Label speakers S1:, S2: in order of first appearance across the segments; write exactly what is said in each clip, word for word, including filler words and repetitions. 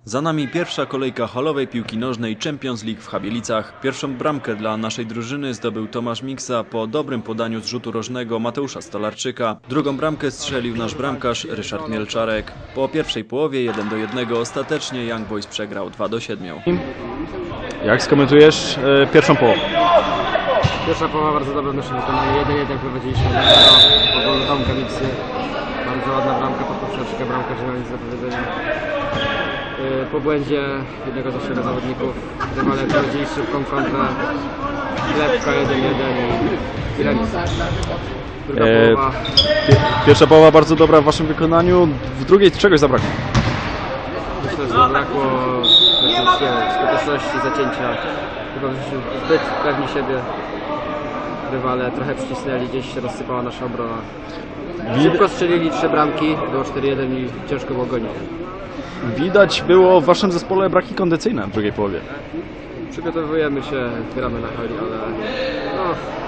S1: Za nami pierwsza kolejka halowej piłki nożnej Champions League w Chabielicach. Pierwszą bramkę dla naszej drużyny zdobył Tomasz Miksa po dobrym podaniu z rzutu rożnego Mateusza Stolarczyka. Drugą bramkę strzelił nasz bramkarz Ryszard Mielczarek. Po pierwszej połowie jeden do jednego ostatecznie Young Boys przegrał dwa do siedmiu.
S2: Jak skomentujesz e, pierwszą połowę?
S3: Pierwsza połowa bardzo dobra w naszym wykonaniu. jeden jeden prowadziliśmy po golu Tomka Miksy. Bardzo ładna bramka pod poprzeczkę, bramka nie ma nic do powiedzenia. Yy, Po błędzie jednego z naszych zawodników rywale prowadzili szybką kontrę. Klepka jeden jeden i remis. Druga
S2: E,
S3: połowa.
S2: Pierwsza połowa bardzo dobra w waszym wykonaniu, w drugiej czegoś zabrakło.
S3: Myślę, że zabrakło skuteczności, zacięcia. Chyba byliśmy zbyt pewni siebie. Rywale trochę przycisnęli, gdzieś się rozsypała nasza obrona. Szybko strzelili trzy bramki, było cztery jeden i ciężko było gonić.
S2: Widać było w waszym zespole braki kondycyjne w drugiej połowie.
S3: Przygotowujemy się, gramy na hali, ale no,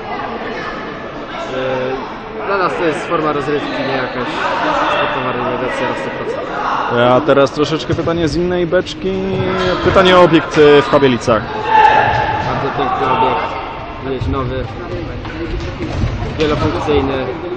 S3: yy, dla nas to jest forma rozrywki, nie jakaś sportowa rywalizacja na sto procent.
S2: A teraz troszeczkę pytanie z innej beczki. Pytanie o obiekt w Chabielicach.
S3: Bardzo piękny obiekt, jest nowy, wielofunkcyjny.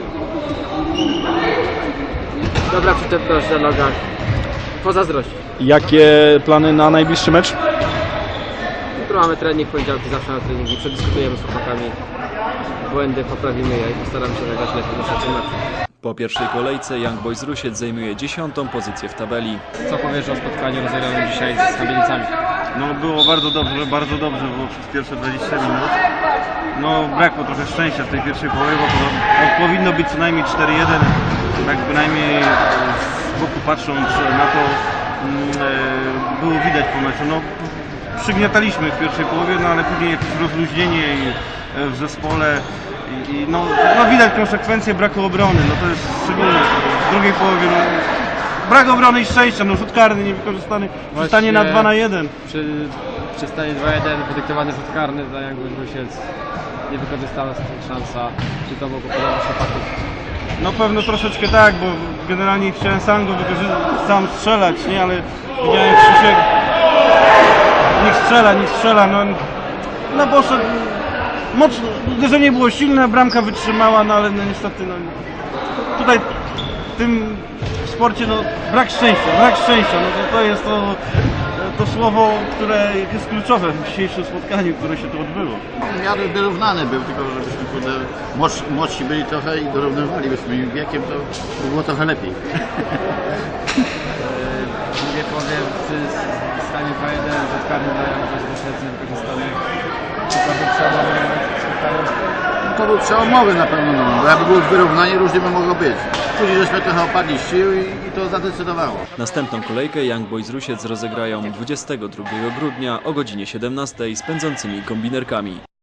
S3: Dobra przyczepność na nogach, pozazdrość.
S2: Jakie plany na najbliższy mecz?
S3: Jutro mamy trening, poniedziałki zawsze na treningi, przedyskutujemy z chłopakami, błędy poprawimy je i postaramy się zagrać lepiej niż na tym meczu.
S1: Po pierwszej kolejce Young Boys Rusiec zajmuje dziesiątą pozycję w tabeli.
S3: Co powiesz o spotkaniu rozegranym dzisiaj z Chabielicami?
S4: No było bardzo dobrze, bardzo dobrze było przez pierwsze dwadzieścia minut. No brakło trochę szczęścia w tej pierwszej połowie, bo to, powinno być co najmniej cztery jeden. Tak bynajmniej e, z boku patrząc na to mm, e, było widać po meczu. No, przygniataliśmy w pierwszej połowie, no ale później jakieś rozluźnienie i, e, w zespole. I, i, no, no widać konsekwencje braku obrony, no to jest szczególnie w drugiej połowie. No, brak obrony i szczęścia, no rzut karny niewykorzystany, zostanie na dwa na jeden.
S3: Przy, przy stanie dwa jeden wydyktowany rzut karny dla Young Boys Rusiec, niewykorzystana szansa, czy to mogło podobać chłopaków?
S4: No pewno troszeczkę tak, bo generalnie chciałem sam go wykorzystać, sam strzelać, nie, ale widziałem Krzysiek, niech strzela, niech strzela, no, no poszedł, mocno, uderzenie było silne, bramka wytrzymała, no ale no niestety, no, tutaj w tym sporcie, no, brak szczęścia, brak szczęścia, no to, to jest to, to słowo, które jest kluczowe w dzisiejszym spotkaniu, które się tu odbyło.
S5: W miarę wyrównany był, tylko żebyśmy kurde, młodsi, młodsi byli trochę i dorównywali swoim wiekiem, to by było trochę lepiej.
S3: W drugiej połowie przy stanie dwa jeden rzut karny dla Young Boys Rusiec niewykorzystany. Czy to był przełomowy moment w spotkaniu?
S5: To był przełomowy na pewno, no, bo jakby było wyrównanie, różnie by mogło być. Później żeśmy trochę opadli z sił i, i to zadecydowało.
S1: Następną kolejkę Young Boys Rusiec rozegrają dwudziestego drugiego grudnia o godzinie siedemnastej z pędzącymi kombinerkami.